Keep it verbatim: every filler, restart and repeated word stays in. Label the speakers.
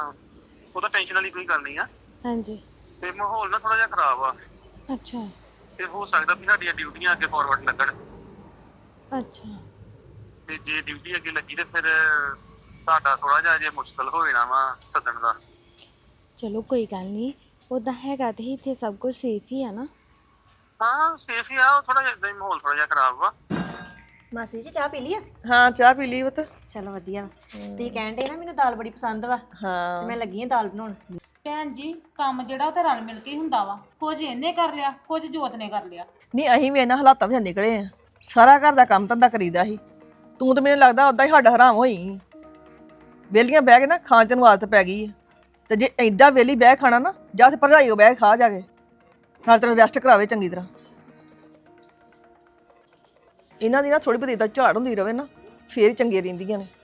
Speaker 1: ਉਹ ਤਾਂ ਟੈਨਸ਼ਨ ਵਾਲੀ ਕੋਈ ਗੱਲ ਨਹੀਂ ਆ।
Speaker 2: ਹਾਂਜੀ।
Speaker 1: ਤੇ ਮਾਹੌਲ ਨਾ ਥੋੜਾ ਜਿਹਾ ਖਰਾਬ ਆ
Speaker 2: ਅੱਛਾ
Speaker 1: ਤੇ ਹੋ ਸਕਦਾ ਵੀ ਸਾਡੀਆਂ ਡਿਊਟੀਆਂ ਅੱਗੇ ਫਾਰਵਰਡ ਲੱਗਣ
Speaker 2: ਅੱਛਾ।
Speaker 1: ਤੇ ਜੇ ਡਿਊਟੀ ਅੱਗੇ ਲੱਗੀ ਤੇ ਫਿਰ ਤੁਹਾਡਾ ਥੋੜਾ ਜਿਹਾ ਜੇ ਮੁਸ਼ਕਲ ਹੋ ਜਾਣਾ ਵਾ ਸੱਦਣ ਦਾ।
Speaker 2: ਚਲੋ ਕੋਈ ਗੱਲ ਨਹੀਂ, ਉੱਦਾਂ ਹੈਗਾ ਤੇ ਇੱਥੇ ਸਭ ਕੁਝ ਸੇਫ ਹੀ ਆ ਨਾ।
Speaker 1: ਹਾਂ ਸੇਫ ਹੀ ਆ, ਉਹ ਥੋੜਾ ਜਿਹਾ ਏਦਾਂ ਹੀ ਮਾਹੌਲ ਥੋੜਾ ਜਿਹਾ ਖਰਾਬ ਵਾ।
Speaker 3: ਮਾਸੀ ਜੀ ਚਾਹ ਪੀ ਲਈ ਆ?
Speaker 4: ਹਾਂ ਚਾਹ ਪੀ ਲਈ ਪੁੱਤ।
Speaker 3: ਚਲੋ ਵਧੀਆ। ਤੁਸੀਂ ਕਹਿਣ ਦੇ ਨਾ ਮੈਨੂੰ ਦਾਲ ਬੜੀ ਪਸੰਦ ਵਾ ਤੇ
Speaker 4: ਹਾਂ
Speaker 3: ਮੈਂ ਲੱਗੀ ਆ ਦਾਲ ਬਣਾਉਣ।
Speaker 5: ਭੈਣ ਜੀ ਕੰਮ ਜਿਹੜਾ ਉਹ ਤਾਂ ਰਲ ਮਿਲ ਕੇ ਹੀ ਹੁੰਦਾ ਵਾ। ਕੁਝ ਇਹਨੇ ਕਰ ਲਿਆ, ਕੁਝ ਜੋਤ ਨੇ ਕਰ ਲਿਆ।
Speaker 4: ਨਹੀਂ ਅਸੀਂ ਵੀ ਇਹਨਾਂ ਹਾਲਾਤਾਂ ਵਿੱਚ ਨਿਕਲੇ ਆ। ਸਾਰਾ ਘਰ ਦਾ ਕੰਮ ਧੰਦਾ ਕਰੀਦਾ ਸੀ। ਤੂੰ ਤਾਂ ਮੈਨੂੰ ਲੱਗਦਾ ਉਦਾਂ ਹੀ ਸਾਡਾ ਹਰਾਮ ਹੋਈ। ਵਿਹਲੀਆਂ ਬਹਿ ਕੇ ਨਾ ਖਾਣ ਚ ਨੂੰ ਆਦਤ ਪੈ ਗਈ ਹੈ। ਤੇ ਜੇ ਐਡਾ ਵਿਹਲੀ ਬਹਿ ਖਾਣਾ ਨਾ, ਜਾਂ ਤੇ ਭਰਜਾਈ ਉਹ ਬਹਿ ਖਾ ਜਾ ਕੇ, ਨਾਲ ਤੈਨੂੰ ਰੈਸਟ ਕਰਾਵੇ ਚੰਗੀ ਤਰ੍ਹਾਂ। ਇਹਨਾਂ ਦੀ ਨਾ ਥੋੜੀ ਬਹੁਤੀ ਤਾਂ ਝਾੜ ਹੁੰਦੀ ਰਵੇ ਨਾ, ਫੇਰ ਹੀ ਚੰਗੀਆਂ ਰਹਿੰਦੀਆਂ ਨੇ।